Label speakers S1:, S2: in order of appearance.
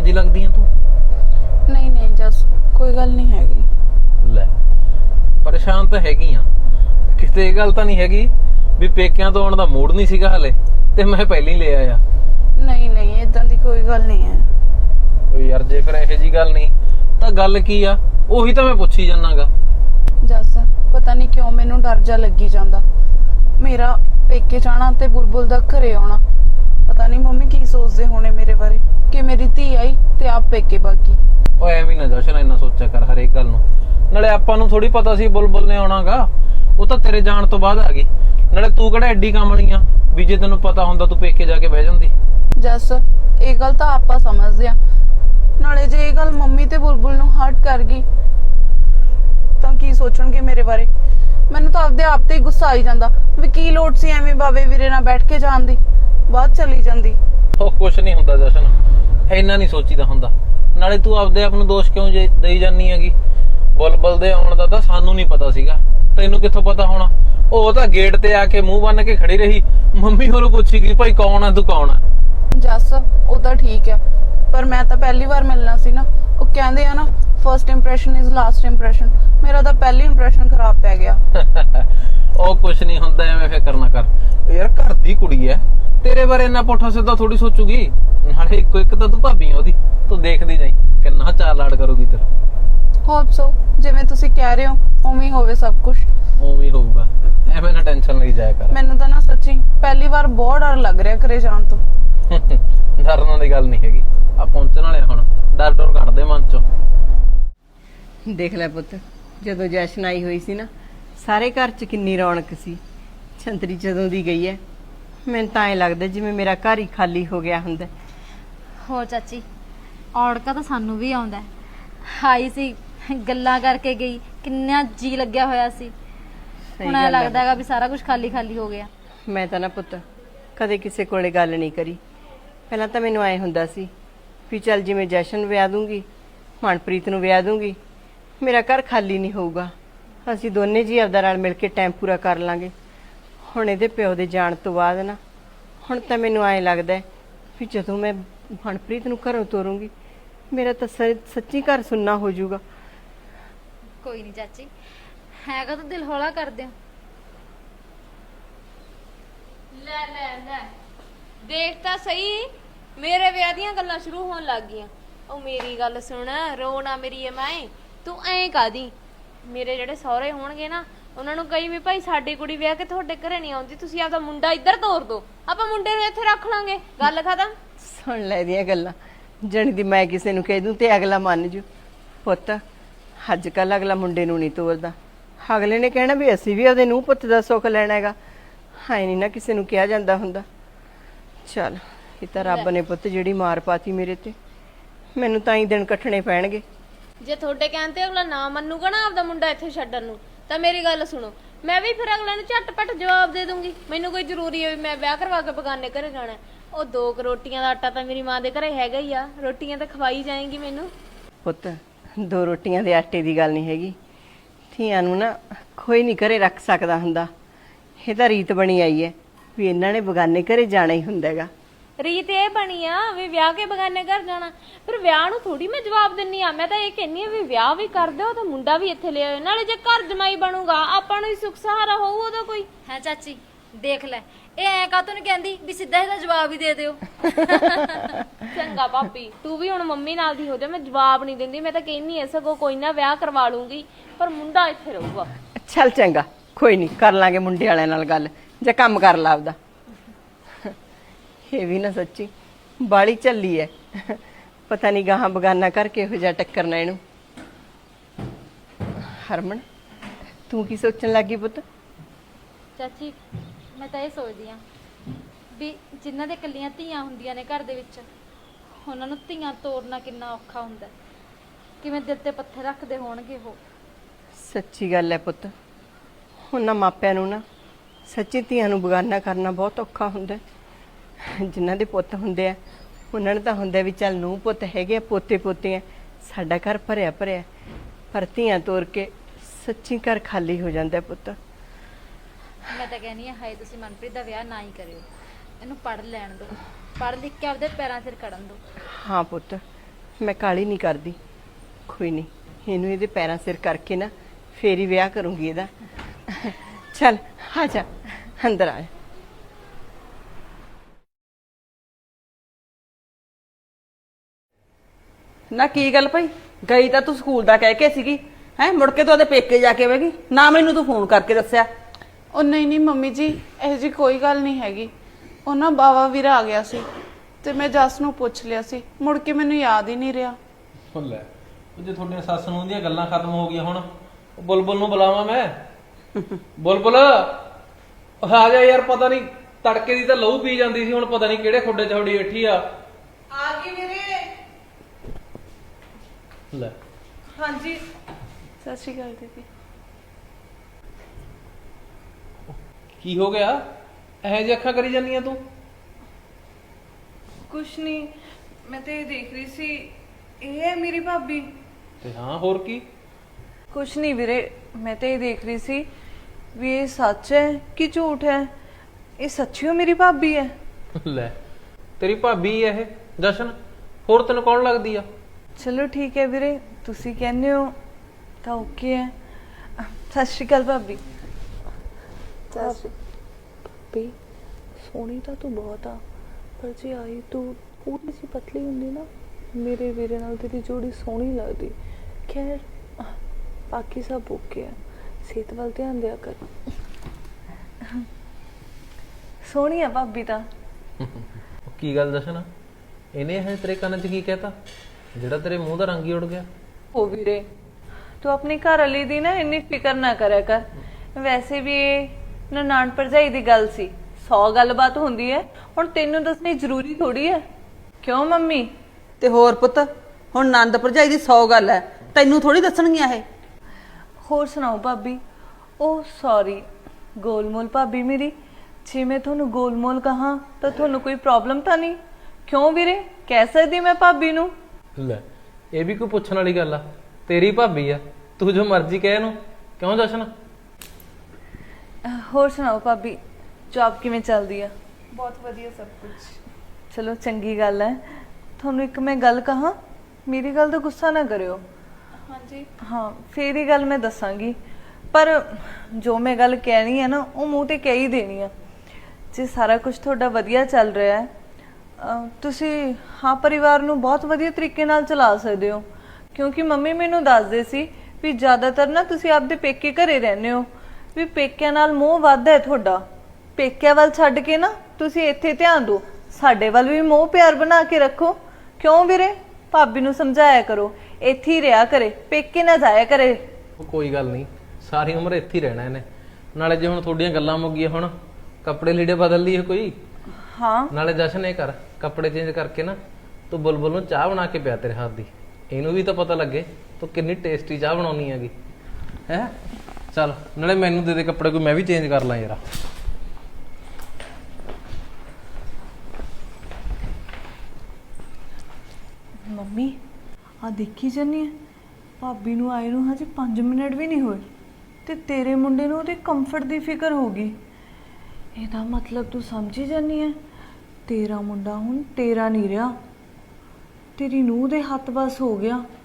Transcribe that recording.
S1: ਜੀ ਲੱਗਦੀ ਆ ਤੂੰ।
S2: ਨਹੀਂ ਨਹੀਂ ਜਸ ਕੋਈ ਗੱਲ ਨਹੀਂ ਹੈਗੀ।
S1: ਲੈ ਪਰੇਸ਼ਾਨ ਤਾਂ ਹੈਗੀ ਆ, ਕਿਤੇ ਇਹ ਗੱਲ ਤਾਂ ਨਹੀਂ ਹੈਗੀ ਵੀ ਪੇਕਿਆਂ ਤੋਂ ਆਉਣ ਦਾ ਮੂਡ ਨਹੀਂ ਸੀਗਾ ਹਲੇ ਤੇ ਮੈਂ ਪਹਿਲਾਂ ਹੀ ਲੈ ਆਇਆ।
S2: ਨਹੀਂ ਨਹੀਂ ਇਦਾਂ ਦੀ ਕੋਈ ਗੱਲ ਨਹੀਂ ਹੈ।
S1: ਓ ਯਾਰ ਜੇ ਫਿਰ ਇਹੋ ਜੀ ਗੱਲ ਨਹੀਂ ਤਾਂ ਗੱਲ ਕੀ ਆ, ਉਹੀ ਤਾਂ ਮੈਂ ਪੁੱਛੀ ਜਾਨਾਗਾ।
S2: ਜਸ ਪਤਾ ਨਹੀਂ ਕਿਉਂ ਮੈਨੂੰ ਡਰ ਜਾ ਲੱਗੀ ਜਾਂਦਾ, ਮੇਰਾ ਪੇਕੇ ਜਾਣਾ ਤੇ ਬੁਲਬੁਲ ਦਾ ਘਰੇ ਆਉਣਾ। ਪਤਾ ਨਹੀਂ ਮੰਮੀ ਕੀ ਸੋਚਦੇ ਹੋਣੇ ਮੇਰੇ ਬਾਰੇ ਕਿ ਮੇਰੀ ਧੀ ਆਈ ਤੇ ਆਪ ਪੇਕੇ ਬਾਗੀ।
S1: ਓਏ ਐਵੇਂ ਨਾ ਜਸ਼ਨ ਇੰਨਾ ਸੋਚਿਆ ਕਰ ਹਰੇਕ ਗੱਲ ਨੂੰ। ਨਾਲੇ ਆਪਾਂ ਨੂੰ ਥੋੜੀ ਪਤਾ ਸੀ ਬੁਲਬੁਲ ਨੇ ਆਉਣਾਗਾ, ਉਹ ਤਾਂ ਤੇਰੇ ਜਾਣ ਤੋਂ ਬਾਅਦ ਆ ਗਈ। ਨਾਲੇ ਤੂੰ ਕਿਹੜਾ ਐਡੀ ਕਾਮਲੀ ਆ ਵੀ ਜੇ ਤੈਨੂੰ ਪਤਾ ਹੁੰਦਾ ਤੂੰ ਪੇਕੇ ਜਾ ਕੇ ਬਹਿ ਜਾਂਦੀ।
S2: ਜਸ ਇਹ ਗੱਲ ਤਾਂ ਆਪਾਂ ਸਮਝਦੇ ਆ, ਨਾਲੇ ਜੇ ਇਹ ਗੱਲ ਮੰਮੀ ਤੇ ਬੁਲਬੁਲ ਨੂੰ ਹਰਟ ਕਰ ਗਈ ਤਾਂ ਕੀ ਸੋਚਣਗੇ ਮੇਰੇ ਬਾਰੇ। ਮੈਨੂੰ ਤਾਂ ਆਪਦੇ ਆਪ ਤੇ ਹੀ ਗੁੱਸਾ ਆਈ ਜਾਂਦਾ ਵੀ ਕੀ ਲੋੜ ਸੀ ਐਵੇਂ ਬਾਵੇ ਵੀਰੇ ਨਾਲ ਬੈਠ ਕੇ ਜਾਣ ਦੀ, ਬਾਅਦ ਚਲੀ ਜਾਂਦੀ।
S1: ਉਹ ਕੁਛ ਨਹੀਂ ਹੁੰਦਾ ਜਸ਼ਨ, ਇੰਨਾ ਨਹੀਂ ਸੋਚੀਦਾ ਹੁੰਦਾ। ਨਾਲੇ ਤੂੰ ਆਪਦੇ ਆਪ ਨੂੰ ਦੋਸ਼ ਕਿਉਂ ਦੇਈ ਜਾਨੀ ਹੈਗੀ? ਬੁਲਬੁਲ ਦੇ ਆਉਣ ਦਾ ਤਾਂ ਸਾਨੂੰ ਨਹੀਂ ਪਤਾ ਸੀਗਾ, ਤੈਨੂੰ ਕਿੱਥੋਂ ਪਤਾ ਹੋਣਾ? ਉਹ ਤਾਂ ਗੇਟ ਤੇ ਆ ਕੇ ਮੂੰਹ ਬੰਨ ਕੇ ਖੜੀ ਰਹੀ, ਮੰਮੀ ਹੋਰੋਂ ਪੁੱਛੀ ਗਈ ਭਾਈ ਕੌਣ ਆ ਤੂੰ ਕੌਣ ਆ।
S2: ਜਸ ਉਹ ਤਾਂ ਠੀਕ ਆ, ਪਰ ਮੈਂ ਤਾਂ ਪਹਿਲੀ ਵਾਰ ਮਿਲਣਾ ਸੀ ਨਾ। ਉਹ ਕਹਿੰਦੇ ਆ ਨਾ first impression is last impression, ਮੇਰਾ ਤਾਂ ਪਹਿਲੀ ਇੰਪ੍ਰੈਸ਼ਨ ਖਰਾਬ ਪੈ ਗਿਆ।
S1: ਉਹ ਕੁਛ ਨਹੀਂ ਹੁੰਦਾ, ਐਵੇਂ ਫਿਕਰ ਨਾ ਕਰ ਯਾਰ, ਘਰ ਦੀ ਕੁੜੀ ਐ, ਤੇਰੇ ਬਾਰੇ ਇੰਨਾ ਪੁੱਠਾ ਸਿੱਧਾ ਥੋੜੀ ਸੋਚੂਗੀ। ਨਾਲੇ ਇੱਕੋ ਇੱਕ ਤਾਂ ਤੂੰ ਭਾਬੀ ਆ ਉਹਦੀ, ਤੂੰ ਦੇਖਦੀ ਜਾਈਂ ਕਿੰਨਾ ਚਾਰ ਲਾਡ ਕਰੂਗੀ ਤੇਰਾ।
S2: ਹੋਪ ਸੋ ਜਿਵੇਂ ਤੁਸੀਂ ਕਹਿ ਰਹੇ ਹੋ ਉਵੇਂ ਹੀ ਹੋਵੇ ਸਭ ਕੁਝ।
S1: ਉਵੇਂ ਹੀ ਹੋਊਗਾ, ਐਵੇਂ ਨਾ ਟੈਨਸ਼ਨ ਲਈ ਜਾਇਆ ਕਰ।
S2: ਮੈਨੂੰ ਤਾਂ ਨਾ ਸੱਚੀ ਪਹਿਲੀ ਵਾਰ ਬਹੁਤ ਡਰ ਲੱਗ ਰਿਹਾ ਘਰੇ ਜਾਣ ਤੋਂ।
S1: ਡਰਨ ਦੀ ਗੱਲ ਨਹੀਂ ਹੈਗੀ, ਆ ਪਹੁੰਚਣ ਵਾਲੇ ਹੁਣ, ਡਰ ਡਰ ਕੱਢ ਦੇ ਮਨ ਚੋਂ।
S3: ਦੇਖ ਲੈ ਪੁੱਤ, ਜਦੋਂ ਜਸ਼ਨ ਆਈ ਹੋਈ ਸੀ ਨਾ ਸਾਰੇ ਘਰ 'ਚ ਕਿੰਨੀ ਰੌਣਕ ਸੀ। ਛੰਤਰੀ ਜਦੋਂ ਦੀ ਗਈ ਐ ਮੈਨੂੰ ਤਾਂ ਐਂ ਲੱਗਦਾ ਜਿਵੇਂ ਮੇਰਾ ਘਰ ਹੀ ਖਾਲੀ ਹੋ ਗਿਆ ਹੁੰਦਾ।
S4: ਹੋਰ ਚਾਚੀ ਔੜਕਾ ਤਾਂ ਸਾਨੂੰ ਵੀ ਆਉਂਦਾ, ਆਈ ਸੀ ਗੱਲਾਂ ਕਰਕੇ ਗਈ, ਕਿੰਨਾ ਜੀ ਲੱਗਿਆ ਹੋਇਆ ਸੀ। ਹੁਣ ਐ ਲੱਗਦਾ ਹੈਗਾ ਵੀ ਸਾਰਾ ਕੁਝ ਖਾਲੀ ਖਾਲੀ ਹੋ ਗਿਆ।
S3: ਮੈਂ ਤਾਂ ਨਾ ਪੁੱਤ ਕਦੇ ਕਿਸੇ ਕੋਲੇ ਗੱਲ ਨਹੀਂ ਕਰੀ। ਪਹਿਲਾਂ ਤਾਂ ਮੈਨੂੰ ਐਂ ਹੁੰਦਾ ਸੀ ਵੀ ਚੱਲ ਜਿਵੇਂ ਜਸ਼ਨ ਵਿਆਹ ਦੂੰਗੀ, ਮਨਪ੍ਰੀਤ ਨੂੰ ਵਿਆਹ ਦੂੰਗੀ, ਮੇਰਾ ਘਰ ਖਾਲੀ ਨਹੀਂ ਹੋਊਗਾ, ਅਸੀਂ ਦੋਨੇ ਜੀ ਆਪਦਾ ਨਾਲ ਮਿਲ ਕੇ ਟਾਈਮ ਪੂਰਾ ਕਰ ਲਾਂਗੇ। ਹੁਣ ਇਹਦੇ ਪਿਓ ਦੇ ਜਾਣ ਤੋਂ ਬਾਅਦ ਨਾ ਹੁਣ ਤਾਂ ਮੈਨੂੰ ਐਂ ਲੱਗਦਾ ਵੀ ਜਦੋਂ ਮੈਂ ਮਨਪ੍ਰੀਤ ਨੂੰ ਘਰੋਂ ਤੋਰੂੰਗੀ ਮੇਰਾ ਤਾਂ ਸੱਚੀ ਘਰ ਸੁੰਨਾ ਹੋ ਜਾਊਗਾ।
S4: ਕੋਈ ਨਹੀਂ ਚਾਚੀ, ਹੈਗਾ ਤਾਂ ਦਿਲ ਹੌਲਾ ਕਰ ਦਿਓ।
S5: ਲੈ ਲੈ ਲੈ ਦੇਖ ਤਾਂ ਸਹੀ, ਮੇਰੇ ਵਿਆਹ ਦੀਆਂ ਗੱਲਾਂ ਸ਼ੁਰੂ ਹੋਣ ਲੱਗ ਗਈਆਂ। ਉਹ ਮੇਰੀ ਗੱਲ ਸੁਣ, ਰੋ ਨਾ ਮੇਰੀ ਮੈਂ, ਤੂੰ ਐਂ ਕਾਦੀ ਮੇਰੇ ਜਿਹੜੇ ਸਹੁਰੇ ਹੋਣਗੇ ਨਾ ਉਹਨਾਂ ਨੂੰ ਕਹੀ ਵੀ ਭਾਈ ਸਾਡੀ ਕੁੜੀ ਵਿਆਹ ਕੇ ਤੁਹਾਡੇ ਘਰੇ ਨਹੀਂ ਆਉਂਦੀ, ਤੁਸੀਂ ਆਪਦਾ ਮੁੰਡਾ ਇੱਧਰ ਤੋਰ ਦੋ, ਆਪਾਂ ਮੁੰਡੇ ਨੂੰ ਇੱਥੇ ਰੱਖ ਲਾਂਗੇ, ਗੱਲ ਖਤਮ।
S3: ਸੁਣ ਲੈ ਦੀਆਂ ਗੱਲਾਂ, ਜਣੀ ਦੀ ਮੈਂ ਕਿਸੇ ਨੂੰ ਕਹਿ ਦੂੰ ਤੇ ਅਗਲਾ ਮੰਨ ਜੂ। ਪੁੱਤ ਅੱਜ ਕੱਲ ਅਗਲਾ ਮੁੰਡੇ ਨੂੰ ਨਹੀਂ ਤੋਰਦਾ, ਅਗਲੇ ਨੇ ਕਹਿਣਾ ਵੀ ਅਸੀਂ ਵੀ ਉਹਦੇ ਨੂੰਹ ਪੁੱਤ ਦਾ ਸੁੱਖ ਲੈਣਾ ਹੈਗਾ। ਹਾਏ ਨਹੀਂ ਨਾ ਕਿਸੇ ਨੂੰ ਕਿਹਾ ਜਾਂਦਾ ਹੁੰਦਾ। ਚੱਲ ਇਹ ਤਾਂ ਰੱਬ ਨੇ ਪੁੱਤ ਜਿਹੜੀ ਮਾਰ ਪਾਤੀ ਮੇਰੇ ਤੇ, ਮੈਨੂੰ ਤਾਂ ਹੀ ਦਿਨ ਕੱਟਣੇ ਪੈਣਗੇ।
S5: ਜੇ ਤੁਹਾਡੇ ਕਹਿਣ ਤੇ ਅਗਲਾ ਨਾ ਮੰਨੂਗਾ ਨਾ ਆਪਦਾ ਮੁੰਡਾ ਇੱਥੇ ਛੱਡਣ ਨੂੰ, ਤਾਂ ਮੇਰੀ ਗੱਲ ਸੁਣੋ, ਮੈਂ ਵੀ ਫਿਰ ਅਗਲੇ ਨੂੰ ਝਟਪਟ ਜਵਾਬ ਦੇ ਦੂੰਗੀ। ਮੈਨੂੰ ਕੋਈ ਜ਼ਰੂਰੀ ਹੈ ਵੀ ਮੈਂ ਵਿਆਹ ਕਰਵਾ ਕੇ ਬਗਾਨੇ ਘਰੇ ਜਾਣਾ? ਉਹ 2 ਰੋਟੀਆਂ ਦਾ ਆਟਾ ਤਾਂ ਮੇਰੀ ਮਾਂ ਦੇ ਘਰੇ ਹੈਗਾ ਹੀ ਆ, ਰੋਟੀਆਂ ਤਾਂ ਖਵਾਈ ਜਾਏਗੀ ਮੈਨੂੰ।
S3: ਪੁੱਤ 2 ਰੋਟੀਆਂ ਦੇ ਆਟੇ ਦੀ ਗੱਲ ਨਹੀਂ ਹੈਗੀ, ਧੀਆਂ ਨੂੰ ਨਾ ਕੋਈ ਨਹੀਂ ਘਰੇ ਰੱਖ ਸਕਦਾ ਹੁੰਦਾ। ਇਹ ਤਾਂ ਰੀਤ ਬਣੀ ਆਈ ਹੈ ਵੀ ਇਹਨਾਂ ਨੇ ਬਗਾਨੇ ਘਰੇ ਜਾਣਾ ਹੀ ਹੁੰਦਾ ਹੈਗਾ।
S5: ਰੀਤ ਇਹ ਬਣੀ ਆ ਵੀ ਵਿਆਹ ਕੇ ਬਗਾਨੇ ਘਰ ਜਾਣਾ, ਫਿਰ ਵਿਆਹ ਨੂੰ ਥੋੜੀ ਮੈਂ ਜਵਾਬ ਦਿੰਨੀ ਆ। ਮੈਂ ਤਾਂ ਇਹ ਕਹਿੰਨੀ ਆ ਵੀ ਵਿਆਹ ਵੀ ਕਰ ਦਿਓ ਤੇ ਮੁੰਡਾ ਵੀ ਇੱਥੇ ਲੈ ਆਇਓ, ਨਾਲੇ ਜੇ ਘਰ ਜਮਾਈ ਬਣੂਗਾ ਆਪਾਂ ਨੂੰ ਹੀ ਸੁੱਖ ਸਹਾਰਾ ਹੋਊ ਉਹਦਾ ਕੋਈ।
S4: ਹੈ ਚਾਚੀ ਦੇਖ ਲੈ, ਇਹ ਐ ਕਾਤੋਂ ਨਹੀਂ ਕਹਿੰਦੀ ਵੀ ਸਿੱਧਾ ਇਹਦਾ ਜਵਾਬ ਹੀ ਦੇ ਦਿਓ।
S5: ਚੰਗਾ ਭਾਬੀ, ਤੂੰ ਵੀ ਹੁਣ ਮੰਮੀ ਨਾਲ ਦੀ ਹੋ ਜਾ, ਮੈਂ ਜਵਾਬ ਨਹੀਂ ਦਿੰਦੀ। ਮੈਂ ਤਾਂ ਕਹਿੰਨੀ ਐ ਸਗੋਂ ਕੋਈ ਨਾ ਵਿਆਹ ਕਰਵਾ ਲੂੰਗੀ, ਪਰ ਮੁੰਡਾ ਇੱਥੇ ਰਹੂਗਾ।
S3: ਚੱਲ ਚੰਗਾ, ਕੋਈ ਨਹੀਂ ਕਰ ਲਾਂਗੇ ਮੁੰਡੇ ਵਾਲਿਆਂ ਨਾਲ ਗੱਲ, ਜਾਂ ਕੰਮ ਕਰ ਲਾ ਆਪਦਾ। ਇਹ ਵੀ ਨਾ ਸੱਚੀ ਬਾਲੀ ਝੱਲੀ ਐ, ਪਤਾ ਨਹੀਂ ਗਾਹਾਂ ਬਗਾਨਾ ਕਰਕੇ ਇਹੋ ਜਿਹਾ ਟੱਕਰਨਾ ਇਹਨੂੰ। ਹਰਮਨ ਤੂੰ ਕੀ ਸੋਚਣ ਲੱਗੀ ਪੁੱਤ?
S4: ਚਾਚੀ ਮੈਂ ਤਾਂ ਇਹ ਸੋਚਦੀ ਆ ਵੀ ਜਿਨ੍ਹਾਂ ਦੇ ਇਕੱਲੀਆਂ ਧੀਆਂ ਹੁੰਦੀਆਂ ਨੇ ਘਰ ਦੇ ਵਿੱਚ, ਉਹਨਾਂ ਨੂੰ ਧੀਆਂ ਤੋਰਨਾ ਕਿੰਨਾ ਔਖਾ ਹੁੰਦਾ, ਕਿਵੇਂ ਦਿਲ ਤੇ ਪੱਥਰ ਰੱਖਦੇ ਹੋਣਗੇ ਉਹ।
S3: ਸੱਚੀ ਗੱਲ ਹੈ ਪੁੱਤ, ਉਹਨਾਂ ਮਾਪਿਆਂ ਨੂੰ ਨਾ ਸੱਚੀ ਧੀਆਂ ਨੂੰ ਬਗਾਨਾ ਕਰਨਾ ਬਹੁਤ ਔਖਾ ਹੁੰਦਾ। ਜਿਨ੍ਹਾਂ ਦੇ ਪੁੱਤ ਹੁੰਦੇ ਆ ਉਹਨਾਂ ਨੂੰ ਤਾਂ ਹੁੰਦਾ ਵੀ ਚੱਲ ਨੂੰਹ ਪੁੱਤ ਹੈਗੇ ਆ, ਪੋਤੇ ਪੋਤੀਆਂ, ਸਾਡਾ ਘਰ ਭਰਿਆ ਭਰਿਆ, ਪਰ ਧੀਆਂ ਤੋਰ ਕੇ ਸੱਚੀ ਘਰ ਖਾਲੀ ਹੋ ਜਾਂਦਾ ਪੁੱਤ।
S4: ਮੈਂ ਤਾਂ ਕਹਿੰਦੀ ਆ ਹਾਏ ਤੁਸੀਂ ਮਨਪ੍ਰੀਤ ਦਾ ਵਿਆਹ ਨਾ ਹੀ ਕਰਿਓ, ਇਹਨੂੰ ਪੜ੍ਹ ਲੈਣ ਦਿਓ, ਪੜ੍ਹ ਲਿਖ ਕੇ ਆਪਦੇ ਪੈਰਾਂ ਸਿਰ ਖੜਨ ਦਿਓ।
S3: ਹਾਂ ਪੁੱਤ ਮੈਂ ਕਾਹਲੀ ਨਹੀਂ ਕਰਦੀ। ਕੋਈ ਨਹੀਂ, ਇਹਨੂੰ ਇਹਦੇ ਪੈਰਾਂ ਸਿਰ ਕਰਕੇ ਨਾ ਫੇਰ ਹੀ ਵਿਆਹ ਕਰੂੰਗੀ ਇਹਦਾ। ਚੱਲ ਆ ਜਾ, ਅੰਦਰ ਆ।
S6: ਨਾ ਕੀ ਗੱਲ ਭਾਈ, ਗਈ ਤਾਂ ਤੂੰ ਸਕੂਲ ਦਾ ਕਹਿ ਕੇ ਸੀਗੀ ਹੈ, ਮੁੜ ਕੇ ਤੂੰ ਉਹਦੇ ਪੇਕੇ ਜਾ ਕੇ ਆਵੇਗੀ ਨਾ, ਮੈਨੂੰ ਤੂੰ ਫੋਨ ਕਰਕੇ ਦੱਸਿਆ।
S2: ਉਹ ਨਹੀਂ ਮੰਮੀ ਜੀ, ਇਹ ਜੀ ਕੋਈ ਗੱਲ ਨਹੀਂ ਹੈਗੀ। ਉਹ ਨਾ ਬਾਵਾ ਵੀਰਾ ਆ ਗਿਆ ਸੀ ਤੇ ਮੈਂ ਜਸ ਨੂੰ ਪੁੱਛ ਲਿਆ ਸੀ, ਮੁੜ ਕੇ ਮੈਨੂੰ ਯਾਦ ਹੀ ਨਹੀਂ ਰਿਹਾ।
S1: ਲੈ ਉਹ ਜੇ ਤੁਹਾਡੀਆਂ ਸੱਸ ਨੂੰ ਦੀਆਂ ਗੱਲਾਂ ਖਤਮ ਹੋ ਗਈਆਂ, ਹੁਣ ਉਹ ਬੁਲਬੁਲ ਨੂੰ ਬੁਲਾਵਾਂ ਮੈਂ? ਬੁਲਬੁਲ ਆ ਜਾ ਯਾਰ, ਪਤਾ ਨਹੀਂ ਤੜਕੇ ਦੀ ਤਾਂ ਲਹੂ ਪੀ ਜਾਂਦੀ ਸੀ, ਹੁਣ ਪਤਾ ਨਹੀਂ ਕਿਹੜੇ ਖੁੱਡੇ ਚ ਤੁਹਾਡੀ ਬੈਠੀ ਆ।
S6: ਆ ਗਈ ਵੀਰੇ।
S1: ਲੈ
S6: ਹਾਂਜੀ
S2: ਸਤਿ ਸ਼੍ਰੀ ਅਕਾਲ ਦੀਦੀ।
S1: ਕੀ ਹੋ ਗਿਆ, ਇਹੋ ਜਿਹੀ ਅੱਖਾਂ ਕਰੀ ਜਾਂਦੀਆਂ ਤੂੰ?
S2: ਕੁਛ ਨਹੀਂ, ਮੈਂ ਤੇ ਇਹ ਦੇਖ ਰਹੀ ਸੀ, ਇਹ ਹੈ ਮੇਰੀ ਭਾਬੀ।
S1: ਤੇ ਹਾਂ ਹੋਰ ਕੀ?
S2: ਕੁਛ ਨਹੀਂ ਵੀਰੇ, ਮੈਂ ਤੇ ਇਹ ਦੇਖ ਰਹੀ ਸੀ ਵੀ ਇਹ ਸੱਚ ਹੈ ਕਿ ਝੂਠ ਹੈ। ਇਹ ਸੱਚੀਓ ਮੇਰੀ ਭਾਬੀ ਹੈ?
S1: ਲੈ ਤੇਰੀ ਭਾਬੀ ਇਹ ਜਸ਼ਨ, ਹੋਰ ਤੈਨੂੰ ਕੌਣ ਲੱਗਦੀ ਆ?
S2: ਚਲੋ ਠੀਕ ਹੈ ਵੀਰੇ, ਤੁਸੀਂ ਕਹਿੰਦੇ ਹੋ ਤਾਂ ਓਕੇ ਹੈ। ਸਤਿ ਸ਼੍ਰੀ ਅਕਾਲ ਭਾਬੀ।
S7: ਭਾਬੀ ਸੋਹਣੀ ਤਾਂ ਤੂੰ ਬਹੁਤ ਆ, ਪਰ ਜੇ ਆਈ ਤੂੰ ਥੋੜੀ ਜਿਹੀ ਪਤਲੀ ਹੁੰਦੀ ਨਾ, ਮੇਰੇ ਵੀਰੇ ਨਾਲ ਤੇਰੀ ਜੋੜੀ ਸੋਹਣੀ ਲੱਗਦੀ। ਖੈਰ ਬਾਕੀ ਸਭ ਓਕੇ ਆ, ਸਿਹਤ ਵੱਲ ਧਿਆਨ ਦਿਆ ਕਰ।
S2: ਸੋਹਣੀ ਆ ਭਾਬੀ ਤਾਂ।
S1: ਕੀ ਗੱਲ ਜਸ਼ਨ, ਇਹਨੇ ਇਹ ਤੇਰੇ ਕੰਨ 'ਚ ਕੀ ਕਹਿਤਾ ਜਿਹੜਾ ਤੇਰੇ ਮੂੰਹ ਦਾ ਰੰਗ ਹੀ ਉੜ ਗਿਆ?
S2: ਉਹ ਵੀਰੇ ਤੂੰ ਆਪਣੀ ਘਰ ਵਾਲੀ ਦੀ ਨਾ ਇੰਨੀ ਫਿਕਰ ਨਾ ਕਰਿਆ ਕਰ। ਵੈਸੇ ਵੀ ਇਹ ਨਨਾਣ ਭਰਜਾਈ ਦੀ ਗੱਲ ਸੀ, 100 ਗੱਲਬਾਤ ਹੁੰਦੀ ਹੈ, ਹੁਣ ਤੈਨੂੰ ਦੱਸਣੀ ਜ਼ਰੂਰੀ ਥੋੜੀ ਹੈ। ਕਿਉਂ ਮੰਮੀ?
S6: ਤੇ ਹੋਰ ਪੁੱਤ, ਹੁਣ ਨੰਦ ਭਰਜਾਈ ਦੀ 100 ਗੱਲ ਹੈ, ਤੈਨੂੰ ਥੋੜੀ ਦੱਸਣਗੀਆਂ ਇਹ।
S2: ਹੋਰ ਸੁਣਾਓ ਭਾਬੀ? ਉਹ ਸੌਰੀ, ਗੋਲਮੋਲ ਭਾਬੀ ਮੇਰੀ, ਜੇ ਮੈਂ ਤੁਹਾਨੂੰ ਗੋਲਮੋਲ ਕਹਾਂ ਤਾਂ ਤੁਹਾਨੂੰ ਕੋਈ ਪ੍ਰੋਬਲਮ ਤਾਂ ਨਹੀਂ? ਕਿਉਂ ਵੀਰੇ, ਕਹਿ ਸਕਦੀ ਮੈਂ ਭਾਬੀ ਨੂੰ?
S1: ਲੈ ਇਹ ਵੀ ਕੋਈ ਪੁੱਛਣ ਵਾਲੀ ਗੱਲ ਆ? ਤੇਰੀ ਭਾਬੀ ਆ, ਤੂੰ ਜੋ ਮਰਜ਼ੀ ਕਹਿ ਇਹਨੂੰ। ਕਿਉਂ ਜਸ਼ਨ?
S2: ਹੋਰ ਸੁਣਾਓ ਭਾਬੀ, ਜੌਬ ਕਿਵੇਂ ਚੱਲਦੀ ਆ? ਬਹੁਤ ਵਧੀਆ ਸਭ ਕੁਝ। ਚਲੋ ਚੰਗੀ ਗੱਲ ਹੈ। ਤੁਹਾਨੂੰ ਇੱਕ ਮੈਂ ਗੱਲ ਕਹਾਂ, ਮੇਰੀ ਗੱਲ ਦਾ ਗੁੱਸਾ ਨਾ ਕਰਿਓ। ਹਾਂਜੀ ਹਾਂ, ਫੇਰ ਹੀ ਗੱਲ ਮੈਂ ਦੱਸਾਂਗੀ, ਪਰ ਜੋ ਮੈਂ ਗੱਲ ਕਹਿਣੀ ਹੈ ਨਾ ਉਹ ਮੂੰਹ ਤੇ ਕਹਿ ਹੀ ਦੇਣੀ ਆ। ਜੇ ਸਾਰਾ ਕੁਝ ਤੁਹਾਡਾ ਵਧੀਆ ਚੱਲ ਰਿਹਾ ਹੈ, ਤੁਸੀਂ ਹਾਂ ਪਰਿਵਾਰ ਨੂੰ ਬਹੁਤ ਵਧੀਆ ਤਰੀਕੇ ਨਾਲ ਚਲਾ ਸਕਦੇ ਹੋ। ਕਿਉਂਕਿ ਮੰਮੀ ਮੈਨੂੰ ਦੱਸਦੇ ਸੀ ਵੀ ਜ਼ਿਆਦਾਤਰ ਨਾ ਤੁਸੀਂ ਆਪਦੇ ਪੇਕੇ ਘਰੇ ਰਹਿੰਦੇ ਹੋ, ਵੀ ਪੇਕਿਆਂ ਨਾਲ ਮੋਹ ਵੱਧ ਹੈ ਤੁਹਾਡਾ। ਪੇਕਿਆਂ ਵੱਲ ਛੱਡ ਕੇ ਨਾ ਤੁਸੀਂ ਇੱਥੇ ਧਿਆਨ ਦਿਓ, ਸਾਡੇ ਵੱਲ ਵੀ ਮੋਹ ਪਿਆਰ ਬਣਾ ਕੇ ਰੱਖੋ। ਕਿਉਂ ਵੀਰੇ? ਭਾਬੀ ਨੂੰ ਸਮਝਾਇਆ ਕਰੋ, ਇੱਥੇ ਹੀ ਰਿਹਾ ਕਰੇ, ਪੇਕੇ ਨਾ ਜਾਇਆ ਕਰੇ।
S1: ਉਹ ਕੋਈ ਗੱਲ ਨਹੀਂ, ਸਾਰੀ ਉਮਰ ਇੱਥੇ ਹੀ ਰਹਿਣਾ ਇਹਨੇ। ਨਾਲੇ ਜੇ ਹੁਣ ਤੁਹਾਡੀਆਂ ਗੱਲਾਂ ਮੁੱਕ ਗਈਆਂ, ਹੁਣ ਕੱਪੜੇ ਲੀੜੇ ਬਦਲ ਲਈਏ ਕੋਈ।
S2: ਹਾਂ
S1: ਨਾਲੇ ਜਸ਼ਨ ਇਹ ਕਰ, ਕੱਪੜੇ ਚੇਂਜ ਕਰਕੇ ਨਾ ਤੂੰ ਬੁਲਬੁਲ ਨੂੰ ਚਾਹ ਬਣਾ ਕੇ ਪਿਆ ਤੇਰੇ ਹੱਥ ਦੀ, ਇਹਨੂੰ ਵੀ ਤਾਂ ਪਤਾ ਲੱਗੇ ਤੂੰ ਕਿੰਨੀ ਟੇਸਟੀ ਚਾਹ ਬਣਾਉਣੀ ਹੈਗੀ ਹੈ। ਚੱਲ ਨਾਲੇ ਮੈਨੂੰ ਦੇ ਦੇ ਕੱਪੜੇ, ਕੋਈ ਮੈਂ ਵੀ ਚੇਂਜ ਕਰ ਲਾਂ ਯਾਰ।
S2: ਮੰਮੀ ਆ ਦੇਖੀ ਜਾਨੀ ਹੈ, ਭਾਬੀ ਨੂੰ ਆਏ ਨੂੰ ਹਜੇ 5 ਮਿੰਟ ਵੀ ਨਹੀਂ ਹੋਏ ਤੇ ਤੇਰੇ ਮੁੰਡੇ ਨੂੰ ਉਹਦੇ ਕੰਫਰਟ ਦੀ ਫਿਕਰ ਹੋ ਗਈ। ਇਹਦਾ ਮਤਲਬ ਤੂੰ ਸਮਝੀ ਜਾਨੀ ਹੈ, ਤੇਰਾ ਮੁੰਡਾ ਹੁਣ ਤੇਰਾ ਨਹੀਂ ਰਿਹਾ, ਤੇਰੀ ਨੂੰਹ ਦੇ ਹੱਥ ਵੱਸ ਹੋ ਗਿਆ।